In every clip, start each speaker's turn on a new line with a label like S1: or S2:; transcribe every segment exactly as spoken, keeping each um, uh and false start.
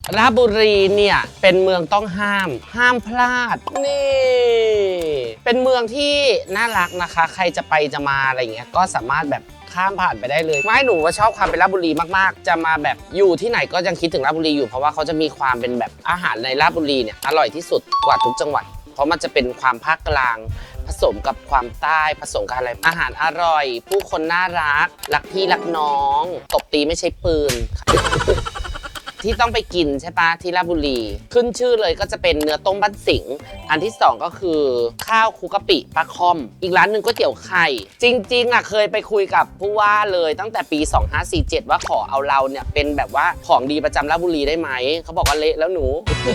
S1: ราชบุรีเนี่ยเป็นเมืองต้องห้ามห้ามพลาดนี่เป็นเมืองที่น่ารักนะคะใครจะไปจะมาอะไรเงี้ยก็สามารถแบบข้ามผ่านไปได้เลยไม่หนูว่าชอบความเป็นราชบุรีมากๆจะมาแบบอยู่ที่ไหนก็ยังคิดถึงราชบุรีอยู่เพราะว่าเขาจะมีความเป็นแบบอาหารในราชบุรีเนี่ยอร่อยที่สุดกว่าทุกจังหวัดเพราะมันจะเป็นความภาคกลางผสมกับความใต้ผสมกับอะไรอาหารอร่อยผู้คนน่ารักรักพี่รักน้องตบตีไม่ใช่ปืน ที่ต้องไปกินใช่ปะที่ราชบุรีขึ้นชื่อเลยก็จะเป็นเนื้อต้มบ้านสิงห์อันที่สองก็คือข้าวคลุกกะปิปลาคอมอีกร้านหนึ่งก๋วยเตี๋ยวไข่จริงๆอ่ะเคยไปคุยกับผู้ว่าเลยตั้งแต่ปีสองห้าสี่เจ็ดว่าขอเอาเราเนี่ยเป็นแบบว่าของดีประจำราชบุรีได้ไหมเขาบอกว่าเละแล้วหนู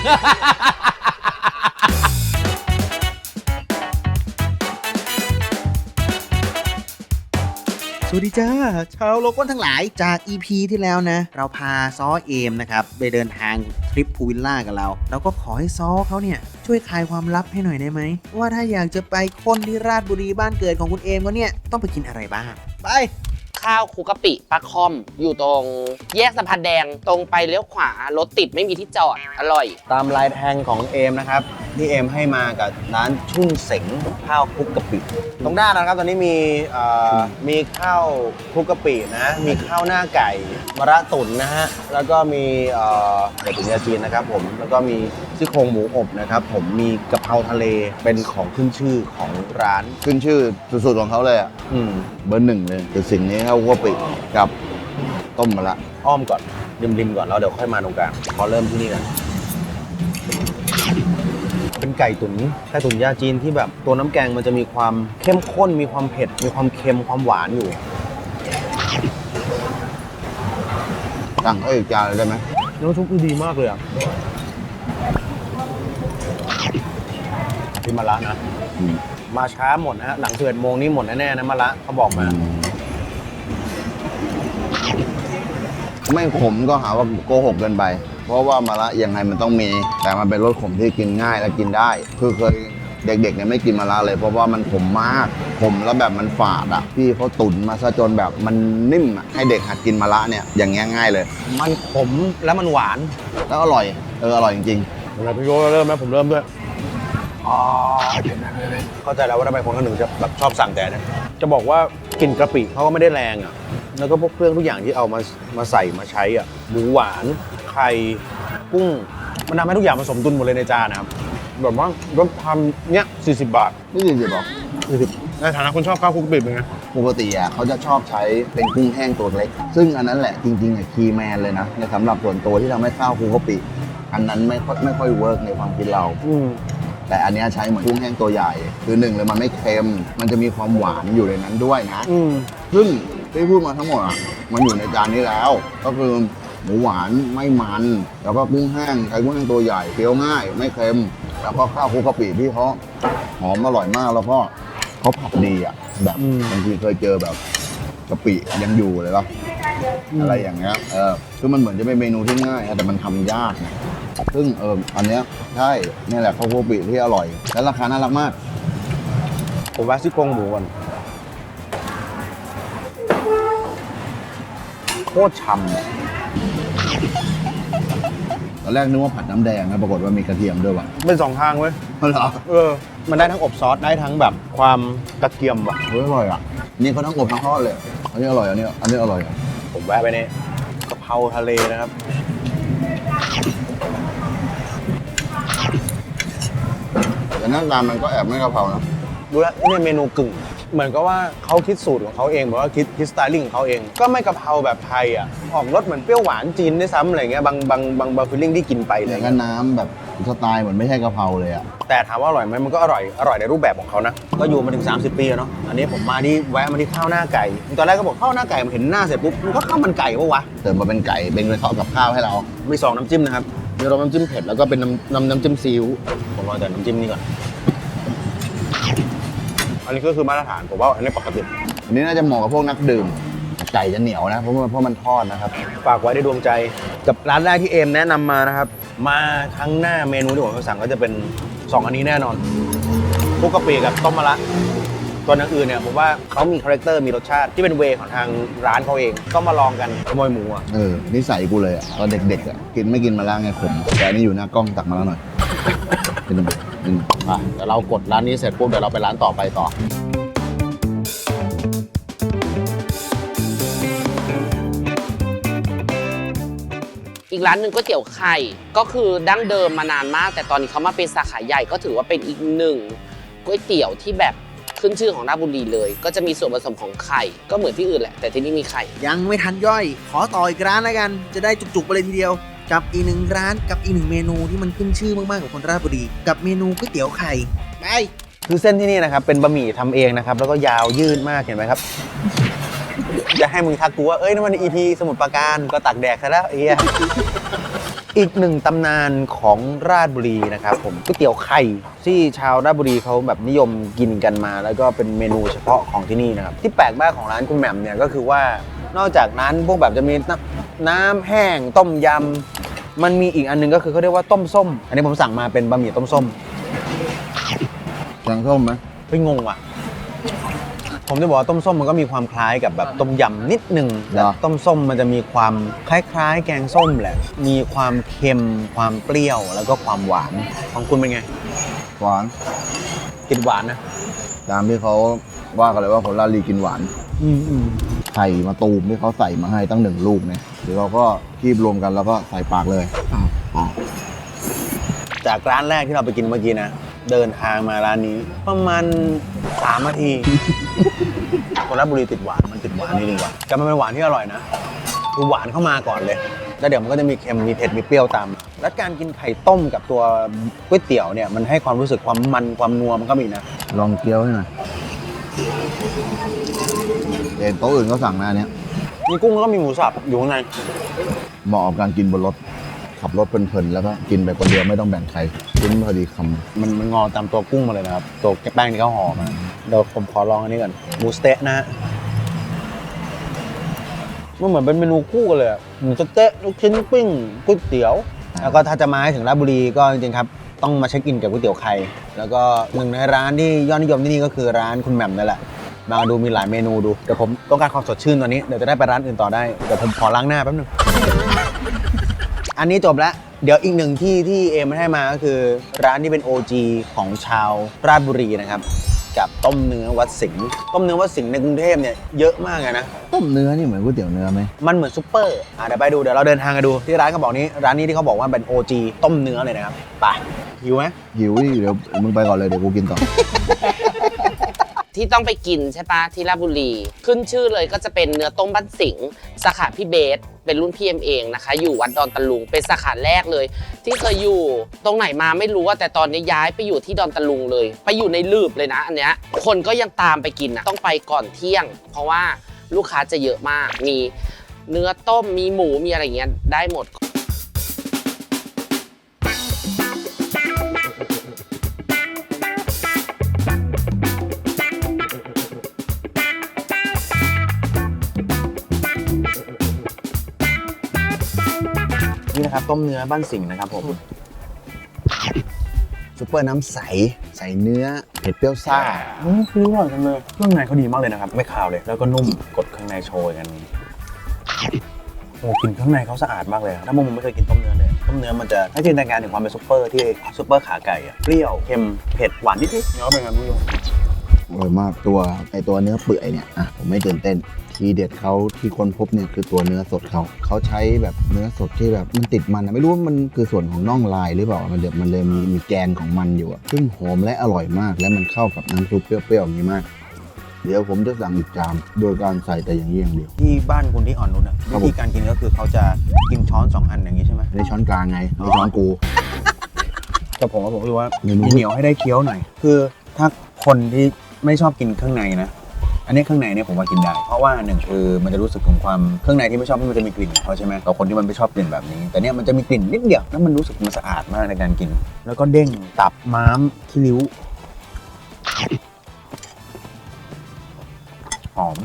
S2: สวัสดีจ้าชาวโลก้นทั้งหลายจาก อี พี ที่แล้วนะเราพาซ้อเอมนะครับไปเดินทางทริปพูลวิลล่ากับเราเราก็ขอให้ซ้อเขาเนี่ยช่วยคลายความลับให้หน่อยได้ไหมว่าถ้าอยากจะไปค้นที่ราชบุรีบ้านเกิดของคุณเอมก็เนี่ยต้องไปกินอะไรบ้างไป
S1: ข้าวคลุกกะปิปลาคอมอยู่ตรงแยกสะพานแดงตรงไปเลี้ยวขวารถติดไม่มีที่จอดอร่อย
S3: ตามลายแทงของเอมนะครับที่เอมให้มากับร้านชุ่นเสงข้าวคลุกกะปิตรงด้านนะครับตอนนี้มีมีข้าวคลุกกะปินะมีข้าวหน้าไก่มะระตุ๋นนะฮะแล้วก็มีไก่ตุ๋นยาจีนนะครับผมแล้วก็มีซี่โครงหมูอบนะครับผมมีกะเพราทะเลเป็นของขึ้นชื่อของร้าน
S4: ขึ้นชื่อสุดๆของเขาเลยอ่ะ
S3: อืม
S4: เบอร์หนึ่งเลยคือสิ่งนี้ข้าวคลุกกะปิกับต้มมะระ
S3: อ้อมก่อนริมๆก่อนแล้วเดี๋ยวค่อยมาตรงกลางพอเริ่มที่นี่นะเป็นไก่ตุ๋นไก่ตุ๋นยาจีนที่แบบตัวน้ำแกงมันจะมีความเข้มข้นมีความเผ็ดมีความเค็มความหวานอยู่
S4: สั่งเขาอีกจานเลยได้ไหม
S3: น้ำซุปดีมากเลยอ่ะที่มะระนะมาช้าหมดนะฮะหลังสิบเอ็ดโมงนี้หมดแน่ๆนะมะระเขาบอกมา
S4: ไม่ขมก็หาว่าโกหกเกินไปเพราะว่ามะระยังไงมันต้องมีแต่มันเป็นรสขมที่กินง่ายและกินได้คือเคยเด็กๆเนี่ยไม่กินมะระเลยเพราะว่ามันขมมากขมแล้วแบบมันฝาดอ่ะพี่เขาตุ๋นมาซะจนแบบมันนิ่มอ่ะให้เด็กหัดกินมะระเนี่ยอย่างเงี้ยง่ายเลย
S3: มันขมแล้วมันหวาน
S4: แล้วอร่อยเอออร่อยจริง
S3: ๆอะไรพี่โยเริ่มไหมผมเริ่มด้วยอ๋อเข้าใจแล้วว่าทำไมคนคนหนึ่งจะแบบชอบสั่งแต่นะจะบอกว่ากลิ่นกะปิเขาก็ไม่ได้แรงอ่ะแล้วก็พวกเครื่องทุกอย่างที่เอามามาใส่มาใช้อ่ะหมูหวานไข่กุ้งมันทำให้ทุกอย่างผสมดุลหมดเลยในจานนะครับแบบว่าก็ทำเนี้ยสี่สิบบาท
S4: นี่สี่สิบหรอ
S3: สี่สิบในฐานะคนชอบข้าวคลุกกะปิเป็นไง
S4: ปกติอ่ะเขาจะชอบใช้เป็นกุ้งแห้งตัวเล็กซึ่งอันนั้นแหละจริงๆอ่ะคีย์แมนเลยนะในสำหรับส่วนตัวที่ทำให้ข้าวคลุกกะปิอันนั้นไม่ค่อยไม่ค่อยเวิร์กในความคิดเราแต่อันนี้ใช้เหมือนกุ้งแห้งตัวใหญ่คือหนึ่งเลยมันไม่เค็มมันจะมีความหวานอยู่ในนั้นด้วยนะซึ่งที่พูดมาทั้งหมดอ่ะมันอยู่ในจานนี้แล้วก็คือหมูหวานไม่มันแล้วก็กุ้งแห้งใช้กุ้งแห้งตัวใหญ่เคี้ยวง่ายไม่เค็มแล้วก็ข้าวคลุกกะปิที่เขาหอมอร่อยมากแล้วก็เขาผัดดีอ่ะแบบบางทีเคยเจอแบบกะปิยังอยู่เลยป่ะอะไรอย่างเงี้ยเออคือมันเหมือนจะเป็นเมนูที่ง่ายแต่มันทำยากนะซึ่งเอออันเนี้ยใช่นี่แหละข้าวคลุกกะปิที่อร่อยและราคาน่ารักมาก
S3: ผมแวะซี่โครงหมูก่อนโคตรฉ่ำ
S4: ตอนแรกนึกว่าผัดน้ำแดงนะปรากฏว่ามีกระเทียมด้วยว่ะ
S3: เป็นสองทางเว้ย
S4: เหรอ
S3: เออมันได้ทั้งอบซอสได้ทั้งแบบความกระเทียมว่ะ
S4: เฮ้ยอร่อยอ่ะนี่เขาทั้งอบทั้งทอดเลยอันนี้อร่อยอันนี้อันนี้อร่อย
S3: ผมแวะไปเนี่ยกะเพราทะเลนะครับ
S4: แต่หน้าตามันก็แอบไม่กะเพรานะ
S3: ดูแลนี่เมนูกึ่งเหมือนกับว่าเขาคิดสูตรของเขาเองแบบว่าคิดคิดสไตลิ่งของเขาเองก็ไม่กะเพราแบบไทยอ่ะออกรสเหมือนเปรี้ยวหวานจีนด้วยซ้ำอะไรเงี้ยบางบางบางบางฟิลลิ่งที่กินไปเลย
S4: ก็น้ำแบบสไตล์เหมือนไม่ใช่กะเพราเลยอ่ะ
S3: แต่ถามว่าอร่อยไหมมันก็อร่อยอร่อยในรูปแบบของเขานะก็อยู่มาถึงสามสิบปีแล้วเนาะอันนี้ผมมาที่แวะมาที่ข้าวหน้าไก่ตอนแรกก็บอกข้าวหน้าไก่มันเห็นหน้าเสร็จปุ๊บมันก็ข้าวมันไก่ปะวะ
S4: เติมมาเป็นไก่เป็นเลยทอดกับข้าวให้เรา
S3: มีสองน้ำจิ้มนะครับ
S4: มีรสน้ำจิ้มเผ็ดแล้วก็เป็นน้ำน้ำน้ำจิ้มซีอิ๊ว
S3: ผมรอแต่น้ำจิ้มนี่ก่อนอันนี้ก็คือมาตรฐานผมว่าอันนี้ปกติ
S4: อันนี้น่าจะเหมาะกับพวกนักดื่มไก่จะเหนียวนะเพราะเพราะมันทอดนะครับ
S3: ฝากไว้ในดวงใจกับร้านแรกที่เอมแนะนำมานะครับมาครั้งหน้าเมนูที่ผมจะสั่งก็จะเป็นสองอันนี้แน่นอนคลุกกะปิกับต้มมะระส่วนอื่นเนี่ยผมว่าเขามีคาแรคเตอร์มีรสชาติที่เป็นเวของทางร้านเขาเองก็มาลองกันขโมยหมูอ่ะ
S4: เออนิสัยกูเลยอะตอนเด็กๆอะกินไม่กินมาแล้วไงขมแต่อันนี่อยู่หน้ากล้องตักมาแล้วหน่อยกินหนึ่งกินอ่ะเดี๋ยวเรากดร้านนี้เสร็จปุ๊บเดี๋ยวเราไปร้านต่อไปต่อ
S1: อีกร้านหนึ่งก๋วยเตี๋ยวไข่ก็คือดั้งเดิมมานานมากแต่ตอนนี้เขามาเป็นสาขาใหญ่ก็ถือว่าเป็นอีกหนึ่งก๋วยเตี๋ยวที่แบบขึ้นชื่อของราชบุรีเลยก็จะมีส่วนผสมของไข่ก็เหมือนที่อื่นแหละแต่ที่นี่มีไข่
S2: ยังไม่ทันย่อย ขอต่ออีกร้านแล้วกัน จะได้จุกๆไปเลยทีเดียว กับอีกหนึ่งร้านกับอีกหนึ่งเมนูที่มันขึ้นชื่อมากๆของคนราชบุรีกับเมนูก๋วยเตี๋ยวไข่ไป
S3: คือเส้นที่นี่นะครับเป็นบะหมี่ทำเองนะครับแล้วก็ยาวยืดมากเห็นไหมครับ จะให้มึงทักกูว่าเอ้ยนั่นมันอีพีสมุทรปราการก็ตักแดกซะแล้วไอ้เหี้ย อีกหนึ่งตำนานของราชบุรีนะครับผมก๋วยเตี๋ยวไข่ที่ชาวราชบุรีเขาแบบนิยมกินกันมา แล้วก็เป็นเมนูเฉพาะของที่นี่นะครับที่แปลกมากของร้านคุณแหม่มเนี่ยก็คือว่านอกจากนั้นพวกแบบจะมีน้ำน้ำแห้งต้มยำมันมีอีกอันนึงก็คือเขาเรียกว่าต้มส้ม อันนี้ผมสั่งมาเป็นบะหมี่ต้มส้ม
S4: แกงส้มไหม
S3: เฮ้ยงงว่ะผมจะบอกว่าต้มส้มมันก็มีความคล้ายกับแบบต้มยำนิดนึงแต่ต้มส้มมันจะมีความคล้ายๆ แกงส้มแหละมีความเค็มความเปรี้ยวแล้วก็ความหวานของคุณเป็นไง
S4: หวาน
S3: ติดหวานนะ
S4: ตามที่เขาว่ากันเลยว่าคนราชบุรีกินหวาน
S3: อืมอืม
S4: ไข่มาตูมที่เขาใส่มาให้ตั้งหนึ่งลูกเนี่ยเดี๋ยวเราก็คีบรวมกันแล้วก็ใส่ปากเลยอ๋อ
S3: จากร้านแรกที่เราไปกินเมื่อกี้นะเดินทางมาร้านนี้ประมาณสามนาที คนราชบุรีติดหวานมันติดหวานนี่ดีกว่าแต่มันเป็นหวานที่อร่อยนะคือหวานเข้ามาก่อนเลยแล้วเดี๋ยวมันก็จะมีเค็มมีเผ็ดมีเปรี้ยวตามแล้วการกินไข่ต้มกับตัวก๋วยเตี๋ยวเนี่ยมันให้ความรู้สึกความมันความนัวมันก็มีนะ
S4: ลองเกี๊ยวให้หน่อยเห็นโต๊ะอื่นเขาสั่งนะอันเนี้ย
S3: มีกุ้งแล้วก็มีหมูสับอยู่ข้างใน
S4: เหมาะกับการกินบนรถขับรถเพลินๆแล้วก็กินไปคนเดียวไม่ต้องแบ่งใครกินพอดีคำ
S3: มันมันงอตามตัวกุ้งมาเลยนะครับตัวแป้งที่เขาห่อมาเดี๋ยวผมขอลองอันนี้ก่อนหมูสเต๊ะนะฮะมันเหมือนเป็นเมนูคู่กันเลยอะหมูสเต๊ะลูกชิ้นปิ้งก๋วยเตี๋ยวแล้วก็ถ้าจะมาให้ถึงราชบุรีก็จริงๆครับต้องมาเช็คอินกับก๋วยเตี๋ยวไข่แล้วก็หนึ่งในร้านที่ยอดนิยมที่นี่ก็คือร้านคุณแหม่มนั่นแหละมาดูมีหลายเมนูดูเดี๋ยวผมต้องการความสดชื่นตอนนี้เดี๋ยวจะได้ไปร้านอื่นต่อได้เดี๋ยวผมขอล้างหน้าแป๊บนึง อันนี้จบแล้วเดี๋ยวอีกหนึ่งที่ที่เอมให้มาก็คือร้านที่เป็น โอ จี ของชาวราชบุรีนะครับกับต้มเนื้อวัดสิงห์ต้มเนื้อวัดสิงห์ในกรุงเทพเนี่ยเยอะมากเลยนะ
S4: ต้มเนื้อนี่เหมือนก๋วยเตี๋ยวเนื้อไหม
S3: มันเหมือนซุปเปอร์อ่ะเดี๋ยวไปดูเดี๋ยวเราเดินทางกันดูที่ร้านเขาบอกนี้ร้านนี้ที่เขาบอกว่าเป็น โอ จี ต้มเนื้อเลยนะครับไปหิวไหม
S4: หิวดิเดี๋ยวมึงไปก่อนเลยเดี๋ยวกูกินต่อ
S1: ที่ต้องไปกินใช่ปะที่ราชบุรีขึ้นชื่อเลยก็จะเป็นเนื้อต้มบ้านสิงห์สาขาพี่เบสเป็นรุ่นพี่เอ็มเองนะคะอยู่วัดดอนตะลุงเป็นสาขาแรกเลย ที่เคยอยู่ตรงไหนมาไม่รู้ว่าแต่ตอนนี้ย้ายไปอยู่ที่ดอนตะลุงเลยไปอยู่ในลืบเลยนะอันเนี้ยคนก็ยังตามไปกินนะต้องไปก่อนเที่ยง เพราะว่าลูกค้าจะเยอะมากมีเนื้อต้มมีหมูมีอะไรเงี้ยได้หมด
S3: นี่นะครับต้มเนื้อบ้านสิงห์นะครับผมซุปเปอร์น้ำใสใส่เนื้อเผ็ดเปรี้ยวซ่าอืมคืออร่อยจังเลยเครื่องในเขาดีมากเลยนะครับไม่คาวเลยแล้วก็นุ่มกดข้างในโชยกันโอ้กลิ่นข้างในเขาสะอาดมากเลยถ้ามุมไม่เคยกินต้มเนื้อเลยต้มเนื้อมันจะให้จินตนาการถึงความเป็นซุปเปอร์ที่ซุปเปอร์ขาไก่อะเปรี้ยวเค็มเผ็ดหวานนิดๆเนื้อเป็นไงไม่รู้
S4: อร่อยมากตัวไอตัวเนื้อเปื่อยเนี่ยอ่ะผมไม่ตื่นเต้นทีเด็ดเขาที่ค้นพบเนี่ยคือตัวเนื้อสดเขาเขาใช้แบบเนื้อสดที่แบบมันติดมันนะไม่รู้ว่ามันคือส่วนของน่องลายหรือเปล่ามันเดี๋ยวมันเลยมีมีแกนของมันอยู่อะซึ่งหอมและอร่อยมากและมันเข้ากับน้ำซุปเปรี้ยวๆอย่างนี้มากเดี๋ยวผมจะสั่งอีกจานโดยการใส่แต่อย่างนี้อย่างเดียว
S3: ที่บ้านคุณที่อ่อนนุชอะ
S4: ครับ
S3: วิ
S4: ผม
S3: ธีการกินก็คือเขาจะกินช้อนสองอันอย่างนี้ใช่ไหม
S4: ในช้อนกลางไงในช้อนกู
S3: แต่ผมว่าผมรู้สึกว่า
S4: เมนู
S3: เหนียวให้ได้เคี้ยวหน่อย คือถ้าคนที่ไม่ชอบกินเครื่องในนะ อันนี้เครื่องในเนี่ยผมว่ากินได้ เพราะว่าหนึ่งคือมันจะรู้สึกถึงความเครื่องในที่ไม่ชอบมันจะมีกลิ่นของเขาใช่ไหมแต่คนที่มันไม่ชอบกลิ่นแบบนี้ แต่เนี่ยมันจะมีกลิ่นนิดเดียวแล้วมันรู้สึกมันสะอาดมากในการกิน แล้วก็เด้งตับม้ามขี้ริ้วหอม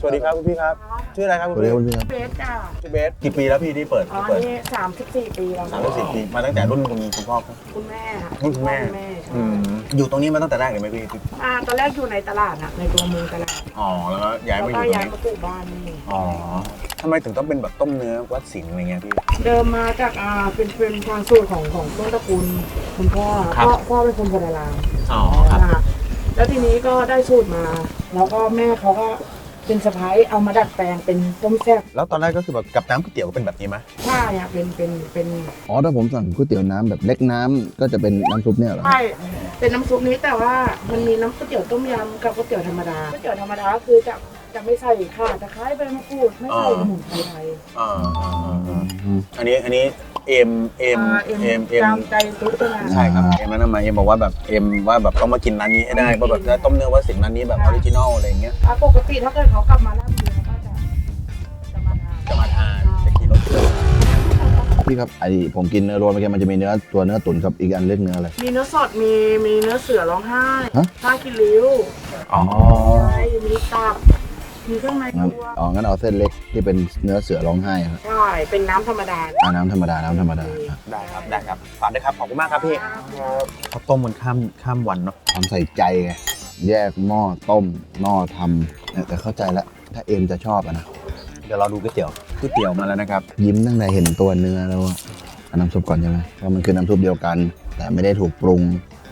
S3: สวัสดีครับคุณพี่ครับชื่ออะไรครับคุณ
S4: สวัสดี
S3: พี่
S4: ครับคุณพี่ครับ
S5: เบสจ้า
S3: ชื่อเบสกี่ปีแล้วพี่ที่เปิด
S5: อ๋อ
S3: ที่เปิด
S5: นี่สามสิบสี่ปีแล้ว
S3: สามสิบสี่ปีมาตั้งแต่รุ่นคุณคุณพ่อครับ
S5: คุณแม่ค่ะ
S3: รุ่นคุณแม่
S5: คุณแม่ใช่
S3: อืมอยู่ตรงนี้มาตั้งแต่แรกเลยไหมพี่
S5: อ่าตอนแรกอยู่ในตลาดอะในตัวเมืองตลาด
S3: อ๋อแล้วก็ย้าย
S5: แล้ว
S3: มาอ
S5: ก็
S3: ยู่ตรง
S5: ย้าย
S3: นี้
S5: มาปลูกบ้านนี่
S3: อ๋อทำไมถึงต้องเป็นแบบต้มเนื้อวัดสิงห์อะไรเงี้ยพี่
S5: เดิมมาจากอ่าเป็นเป็นทางสูตรของของต้นตระกูลคุณพ่อ
S3: ครับ
S5: พ่อพ่อเป็นคนโบราณ
S3: อ๋อครับ
S5: นะคะแล้วทีนี้ก็ได้สูตรมา แล้วก็แม่เขาก็เป็นสะพ้ายเอามาดัดแปลงเป็นต้มแซ่บ
S3: แล้วตอนแรกก็คือแบบกับน้ำก๋วยเตี๋ยวก็เป็นแบบนี้ไหม
S5: ใช่อะเป็นเป็นเป็น
S4: อ๋อถ้าผมสั่งก๋วยเตี๋ยวน้ำแบบเล็กน้ำก็จะเป็นน้ำซุปเนี่ยเหรอ
S5: ใช่เป็นน้ำซุปนี้แต่ว่ามันมีน้ำก๋วยเตี๋ยวต้มยำกับก๋วยเตี๋ยวธรรมดาก๋วยเตี๋ยวธรรมดาก็คือจะจะไม่ใส่ข่าตะไคร้ใบมะกรูดไม่ใส่สมุนไพรไทย
S3: อ่าอ่าอ่าอ่าอันนี้อันนี้เอ็มเอ็ม
S5: อ่า
S3: เอ็มเอ็ม
S5: ตามใจซุปใช่ไหม
S3: ใช่ครับเอ็มนั้นมาเอ็มบอกว่าแบบเอ็มว่าแบบต้องมากินร้านนี้ให้ได้เพราะแบบจะต้มเนื้อวัดสิงห์ร้านนี้แบบออริจินอลอะไรอย่างเงี้ย
S5: อ่าปกติถ้าเกิดเขากลับมาแล้วเขาก็จะจะมาทาน
S3: จะมาทานจะกินรสเครื่อง
S4: พี่ครับไอผมกินเนื้อโรยเมื่อกี้มันจะมีเนื้อตัวเนื้อตุ๋นกับอีกอันเล็กเนื้ออะไร
S5: มีเนื้อสดมีมีเนื้อเสือร้องไห้
S4: ฮะ
S5: ผ้ากิริ้ว
S3: อ๋อ
S5: ใช่มีตับมีเครื่องใน
S4: งั้น
S5: ตัว
S4: อ๋องั้นเอาเส้นเล็กที่เป็นเนื้อเสือร้องไห้ครับ
S5: ใช่เป็นน้ำธรรมดา
S4: อ่าน้ำธรรมดาน้ำธรรมดา
S3: ได้ครับได้ครับฝากด้วยครับขอบคุณมากครับพี่เขาต้มมันข้ามข้ามวันเนาะ
S4: ความใส่ใจไงแยกหม้อต้มหม้อทำเนี่ยแต่เข้าใจแล้วถ้าเอ็มจะชอบอะนะ
S3: เดี๋ยวเราดูก๋วยเตี๋ยวก๋วยเตี๋ยวมาแล้วนะครับ
S4: ยิ้มตั้งแต่เห็นตัวเนื้อแล้วอะเอาน้ำซุปก่อนใช่ไหมเพราะมันคือน้ำซุปเดียวกัน แต่ไม่ได้ถูกปรุง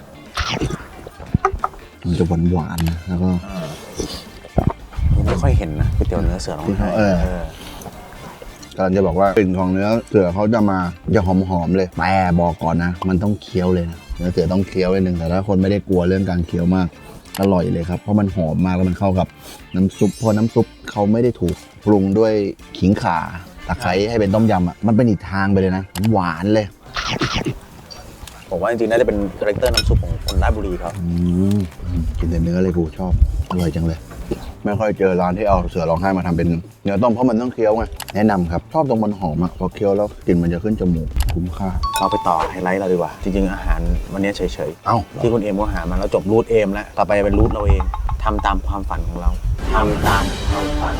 S4: มันจะหวานหวานๆนะแล้วก็
S3: ไม่ค่อยเห็นนะก๋วยเตี๋ยวเนื้อเสือร้องไห้
S4: เออ กำลังจะบอกว่ากลิ่นของเนื้อเสือเขาจะมาจะหอมๆเลยแต่บอกก่อนนะ มันต้องเคี้ยวเลยนะเนื้อเสือต้องเคี้ยวเลยหนึ่งแต่ถ้าคนไม่ได้กลัวเรื่องการเคี้ยวมากอร่อยเลยครับเพราะมันหอมมากแล้วมันเข้ากับน้ำซุปเพราะน้ำซุปเขาไม่ได้ถูกปรุงด้วยขิงข่าตะไคร้ให้เป็นต้มยำอ่ะมันเป็นอีกทางไปเลยนะหวานเลย
S3: ผมว่าจริงๆน่าจะเป็นคาแรคเตอร์น้ำซุปของคนราชบุรีเขา
S4: อืมกินแต่เนื้อเลยกูชอบอร่อยจังเลย ไม่ค่อยเจอร้านที่เอาเสือร้องไห้มาทำเป็นเนื้อต้มเพราะมันต้องเคี้ยวไงแนะนำครับชอบตรงมันหอมอ่ะพอเคี้ยวแล้วกลิ่นมันจะขึ้นจมูกคุ้มค่า
S3: เราไปต่อไฮไลท์เราดีกว่า จริงๆอาหารวันนี้เฉย
S4: เอ้า
S3: ๆที่คุณเอ็มก็หามาแล้วจบรูทเอ็มแล้วต่อไปจะเป็นรูทเราเองทำตามความฝันของเราทำตามความฝัน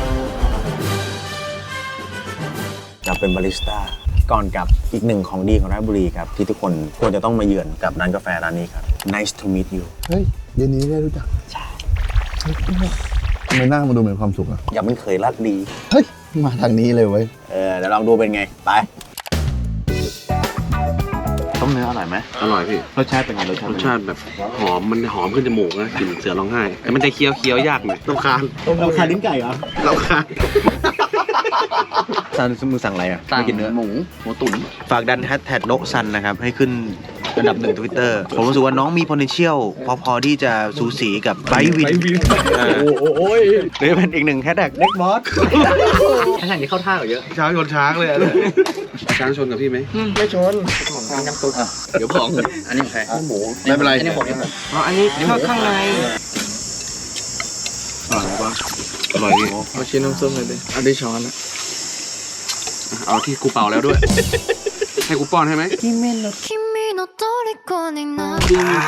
S3: จะเป็นบาริสต้าก่อนกับอีกหนึ่งของดีของราชบุรีครับที่ทุกคนควรจะต้องมาเยือนกับร้านกาแฟร้านนี้ครับ Nice to meet you
S4: เฮ้ยเย็นนี้ได้รู้จักใช่ทำไมหน้ามันดูเหมือนความสุขอ่ะ
S3: อย่ามันเคยรักดี
S4: เฮ้ยมาทางนี้เลยเว้ย
S3: เออเดี๋ยวลองดูเป็นไง ไป ต้มเนื้ออร่อยไหม
S6: อร่อยพี่
S3: รสชาติเป็นไงรสชาติ
S6: รสชาติแบบหอมมันหอมขึ้นจมูกนะกลิ่นเสือร้องไห้แต่มันจะเคี้ยวเคี้ยวยากหน่อยต้องคาน
S3: เราคาลิ้นไก่เหรอ
S6: เราคาน
S3: ซันมือสั่งอะไรอ่ะไม่กินเนื้อ
S6: หมูหมูตุ๋น
S3: ฝากดันแฮชแท็กโนซันนะครับ ให้ขึ้นอันดับหนึ่งทวิตเตอร์ผมรู้สึกว่าน้องมี potential พอพอที่จะสูสีกับไบวินโอ้ยหรือเป็นอีกหนึ่งแฮชแท็กเน็กบอส
S6: แข่งนี้เข้าท่าเยอะช้างชนช้างเลยช้างชนกับพี่ไหม
S5: ไม่ชน
S6: เดี๋ยวบอกอันนี้ใครหมู
S4: ไม่เป็นไร
S6: อันนี้ผมอ๋ออันนี้ข้างข้างในอร่อยปะอร่อยดีเอาชิ้นน้ำส้มเลยดิเอาได้ช้อนนะเอาที่กูเป่าแล้วด้วยให้กูป้อนให้ไหม
S7: 君の虜になる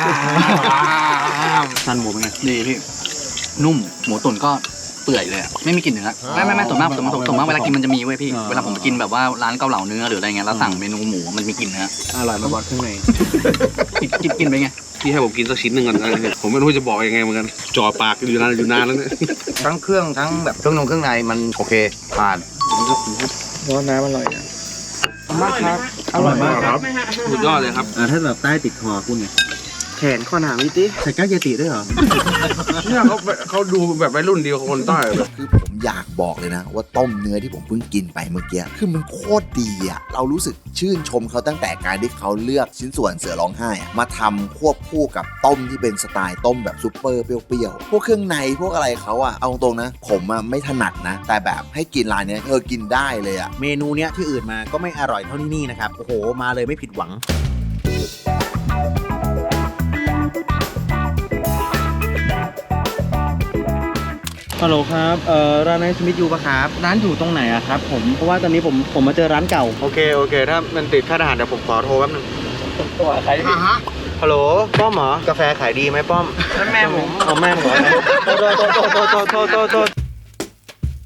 S6: ซันหมูเป็นไงดีพี่นุ่มหมูตุ๋นก็เปื่อยเลยอะไม่มีกลิ่นเนื้อไม่ไม่ไม่ส่วนมากส่วนมากส่วนมากเวลากินมันจะมีเว้ยพี่เวลาผมกินแบบว่าร้านเกาเหลาเนื้อหรืออะไรเงี้ยแล้วสั่งเมนูหมูมันมีกลิ่นเนื้อ
S3: อร่อยมาบอสข้างใน
S6: กินกินกินไปไงพี่ให้ผมกินสักชิ้นหนึ่งก่อนผมไม่รู้จะบอกยังไงเหมือนกันจ่อปากอยู่นานอยู่นานแล้วเนี่ย
S2: ทั้งเครื่องทั้งแบบเครื่องนงเครื่องในมันโอเคผ่าน
S6: ร้อนน้ำอร่อย
S5: มากครับ
S6: อร่อยมากครับสุดยอดเลยครับ
S2: ถ้าแบบใต้ติดคอคุณไง
S6: แขนข้อหนามิติ
S2: ใส่ก้าวเยติด้วยเหรอ
S6: เนี่ยเขาเขาดูแบบวัยรุ่นเดียวกับคนใต้แบบ
S8: คือผมอยากบอกเลยนะ ว่าต้มเนื้อที่ผมเพิ่งกินไปเมื่อกี้คือมันโคตรดีอะเรารู้สึกชื่นชมเขาตั้งแต่การที่เขาเลือกชิ้นส่วนเสือร้องไห้อะมาทำควบคู่กับต้มที่เป็นสไตล์ต้มแบบซุปเปอร์เปรี้ยวๆพวกเครื่องในพวกอะไรเขาอะเอาตรงๆนะ ผมอะไม่ถนัดนะ แต่แบบให้กินร้านเนี้ยเออกินได้เลยอะ
S2: เมนูเนี้ยที่อื่นมาก็ไม่อร่อยเท่าที่นี่นะครับ โอ้โห มาเลยไม่ผิดหวัง ฮัลโหลครับ เอ่อ ร้านไนท์สมิธยูปะครับ ร้านอยู่ตรงไหนอะครับผม เพราะว่าตอนนี้ผมผมมาเจอร้านเก่า
S3: โอเค โอเค ถ้ามันติดค่าทหารเดี๋ยวผมขอโทรแป๊บนึงตัวใครฮัลโหล ป้อมเหรอ กาแฟขายดีไหมป้อม
S5: แม่ผม
S3: เอาแม่ผมเหรอโทษโทษโทษโทษโทษโทษโทษ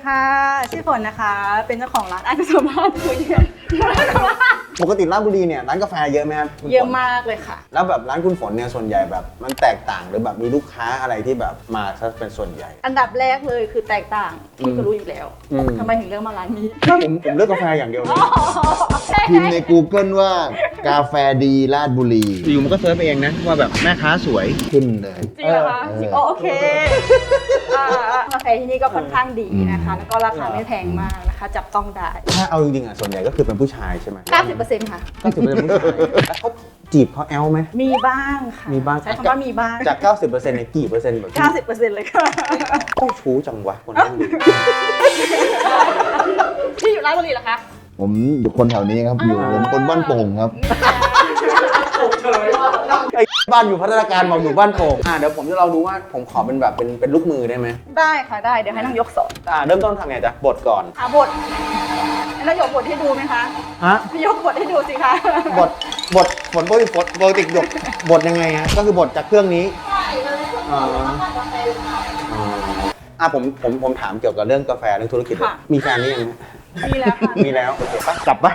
S9: ค่ะชื่อฝนนะคะ เป็นเจ้าของร้านอันสมบัติคุยกัน
S3: ปกติราชบุรีเนี่ยร้านกาแฟเยอะไหมครับคุณฝน
S9: เยอะมากเลยค่ะ
S3: แล้วแบบร้านคุณฝนเนี่ยส่วนใหญ่แบบมันแตกต่างหรือแบบมีลูกค้าอะไรที่แบบมาซะเป็นส่วนใหญ่
S9: อันดับแรกเลยคือแตกต่างคุณก็รู้อยู่แล้ว
S3: อืม
S9: ทำไมถึงเลือกมาร้านนี้
S3: ผมผมเลือกกาแฟอย่างเดียวเลย
S4: พิมพ์ใน Google ว่ากาแฟดีราชบุรี
S3: อยู่มันก็เซิร์ชไปเองนะว่าแบบแม่ค้าสวย
S4: ขึ้นเลย
S9: จริงเหรอคะ
S4: เออ
S9: จริงอ๋อโอเคอ่ากาแฟที่นี่ก็ค่อนข้างดีนะคะ แล้วก็ราคาไม่แพงมากนะคะ จับต้องได้
S3: ถ้าเอาจริงๆอ่ะส่วนใหญ่ก็คือเป็นผู้ชายใช่ไหม
S9: เก้าสิบเปอร์เซ็นต์ค่ะ
S3: ก็ถือเป็นผู้ชายแล้วเขาจีบเขาแอลไหม
S9: มีบ้างค่ะ
S3: มีบ้าง
S9: ใช้คำว่ามีบ้าง
S3: จาก เก้าสิบเปอร์เซ็นต์เนี่ยกี่เปอร์เซ็นต์แบบ
S9: เก้าสิบเปอร์เซ็นต์เลยค่ะ
S3: เจ้าชู้จังวะคนนั้น
S9: ที่อยู่ร้านบุรีเหรอคะ
S4: ผมอยู่คนแถวนี้ครับ อยู่ผมคนบ้านโป่งครับ
S3: ไอ้บ้านอยู่พัฒนาการบอกอยู่บ้านโป่งอ่าเดี๋ยวผมจะลองดูว่าผมขอเป็นแบบเป็นเป็นลูกมือได้ไหม
S9: ได้ค่ะได้เดี๋ยวให้น้องยกสอน
S3: อ่าเริ่มต้นทำไงจ๊ะบทก่อน
S9: อ่ะบทให้น้องยกบทให้ดูไหมคะ
S3: ฮะ
S9: ยกบทให้ดูสิคะ
S3: บทบทผลปกติบทปกติหยกบทยังไงฮะก็คือบทจากเครื่องนี้อ๋ออ๋ออ่ะผมผมผมถามเกี่ยวกับเรื่องกาแฟเรื่องธุรกิจเลยมีแฟนหรือยังฮะ
S9: มีแล้วค่ะ
S3: มีแล้วโอเคปะกลับปะ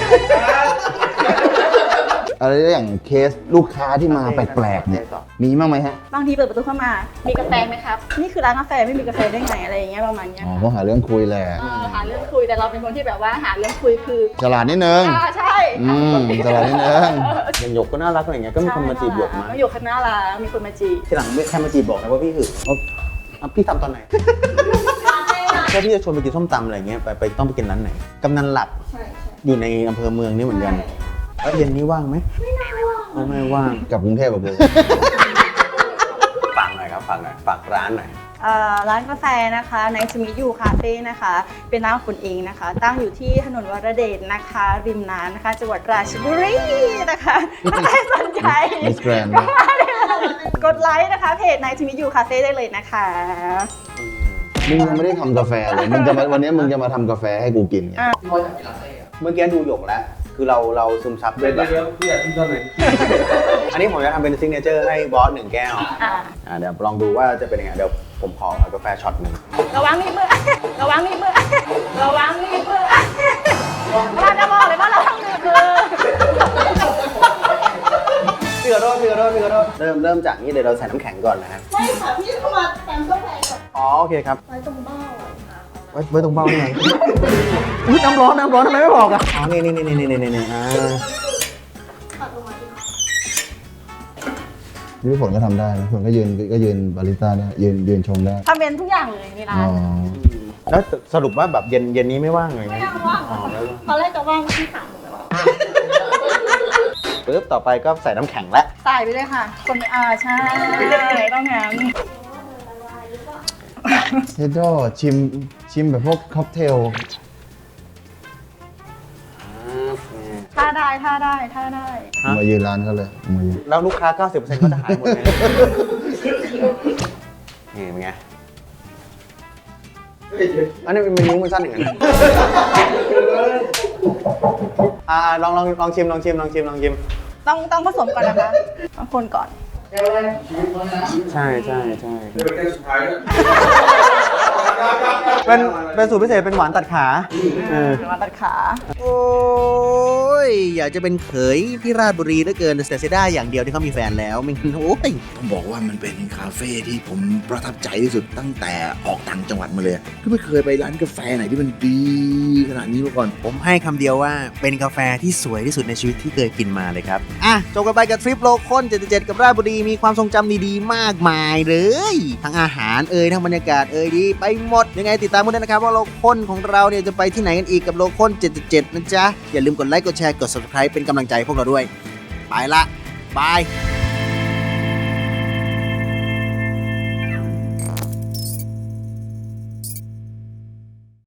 S4: อะไรอย่างเคสลูกค้าที่มาแปลกๆเนี่ยมีบ้างไหมฮะ
S9: บางทีเปิดประตูเข้ามา มีกาแฟไหมครับ นี่คือร้านกาแฟไม่มีกาแฟได้ไงอะไรอย่างเงี้ยประมาณเนี้ย
S4: อ๋อก็หาเรื่องคุยแหละ
S9: เออหาเรื่องคุยแต่เราเป็นคนที่แบบว่าหาเรื่องคุยคือ
S4: ฉลาดนิดนึง
S9: อ่าใช่
S4: อืมฉลาดนิดนึง
S3: อย่างหยกก็น่ารักอะไรอย่างเงี้ยก็มีคนมาจีบหยกมา
S9: ใช่ค่ะอยู่ข้างหน้าร้านมีคนมาจีบ
S3: ทีหลังไม่ใครมาจีบบอกนะว่าพี่หึงเอาเอาพี่ทำตอนไหนแค่พี่จะชวนไปกินส้มตำอะไรเงี้ยไปไปต้องไปกินร้านไหนกำนันหลัก
S9: ใช่ใช่
S3: อยู่ในอำเภอเมืองนี่เหมือนกันแล้วเย็นนี้ว่างไหมไม่น่าว่างไม่ว่าง
S4: กับกรุงเทพแบบเลย
S3: ฝากหน่อยครับฝากหน่อยฝากร้านหน่อย
S9: เอ่อร้านกาแฟนะคะในสมิยูคาเฟ่นะคะ เป็นร้านของคุณเองนะคะ ตั้งอยู่ที่ถนนวรเดชนะคะ ริมน้ำนะคะ จังหวัดราชบุรีนะคะถ้าใครสนใจ
S4: Miss Grand
S9: ก็มาได้เลยกดไลค์นะคะเพจในสมิยูคาเฟ่ได้เลยนะคะ
S4: มึงยังไม่ได้ทำกาแฟเลยมึงจะมาวันนี้มึงจะมาทำกาแฟให้กูกินไง
S3: เมื่อกี้ดูหยกแล้วคือเราเราซึมซับด้วยแบบพี่อยากกินตอนไหนอันนี้ผมจะทำเป็นซิกเนเจอร์ให้บอสหนึ่งแก้ว
S9: อ่า
S3: อ่าเดี๋ยวลองดูว่าจะเป็นยังไงเดี๋ยวผมขอกาแฟช็อตหนึ่ง
S9: ระวังมีดมือระวังมีดมือระวังมีดมือเราจะบอกเลยว่าระวังมีดมือ
S3: พี่ขอโทษพี่ขอโทษพี่ขอโทษเริ่มเริ่มจากนี้เดี๋ยวเราใส่น้ำแข็งก่อนนะฮะ
S5: ไม่ค่ะพี่เข้ามาแตมกาแฟก่อน
S3: อ๋อโอเคครับ
S5: ไว้ตรงเบ้าอ่ะ
S3: ไว้ไว้ตรงเบ้านี่ไงอุ๊ยน้ำร้อนน้ำร้อนทำไมไม่บอกอ่ะอ๋อนี่นี่นี่นี่นี่นี่นี่อ่า
S5: ปัดลงมาที่
S4: นี่พี่ฝนก็ทำได้นะฝนก็ยืนก็ยืนบาริสต้าได้ยืนยืนชมได้
S9: ทำเป็นทุกอย่างเลยในร้า
S4: อ๋
S9: น
S4: อ
S3: แล้วสรุปว่าแบบเย็นเย็นนี้ไม่ว่างเลยไหม
S5: ไม่ว่าง
S3: อ๋อไม่ว่าง
S5: ตอนแรกจะว่างที่ถามหนูแล้ว
S3: ปึ๊บต่อไปก็ใส่น้ำแข็งแล้ว
S9: ใส่ไปเลยค่ะ คนอ่าใช่ต้องงั้น
S4: เฮดโดชิมชิมแบบพวกค็อกเทล
S9: ท่าได้ท่าได้ท่าได้
S4: มายืนร้านเขาเลยมายืน
S3: แล้วลูกค้า เก้าสิบเปอร์เซ็นต์ ก็จะหายหมดเลยนี่เป็นไงอันนี้เป็นนิ้วมันสั้นอย่างนั้นอ่าลองลองลองชิมลองชิมลองชิมลองชิม
S9: ต้องต้องผสมก่อนนะคะต้องคนก่อน
S3: ใช่ใช่ใช่เป็นเป็นสูตรพิเศษเป็นหวานตัดขาเออ
S9: มาตัดขา
S2: โอ้ยอยากจะเป็นเขยที่ราชบุรีเหลือเกินแต่เสียดายอย่างเดียวที่เขามีแฟนแล้วไม่งั้นโอ้ย
S8: ต้องบอกว่ามันเป็นคาเฟ่ที่ผมประทับใจที่สุดตั้งแต่ออกต่างจังหวัดมาเลยคือไม่เคยไปร้านกาแฟไหนที่มันดีขนาดนี้มาก่อน
S2: ผมให้คำเดียวว่าเป็นกาแฟที่สวยที่สุดในชีวิตที่เคยกินมาเลยครับ อ่ะจบกันไปกับทริปโลคอลเจ็ดสิบเจ็ดกับราชบุรีมีความทรงจำดีๆมากมายเลย ทั้งอาหารเอ่ยทั้งบรรยากาศเอ่ยดีไปหมดยังไงติดตามกันด้วยนะครับว่าโลคอลของเราเนี่ยจะไปที่ไหนกันอีกกับโลคอลเจ็ดสิบเจ็ดนะจ๊ะอย่าลืมกดไลค์กดแชร์กด ซับสไครบ์ เป็นกำลังใจให้พวกเราด้วยไปละบาย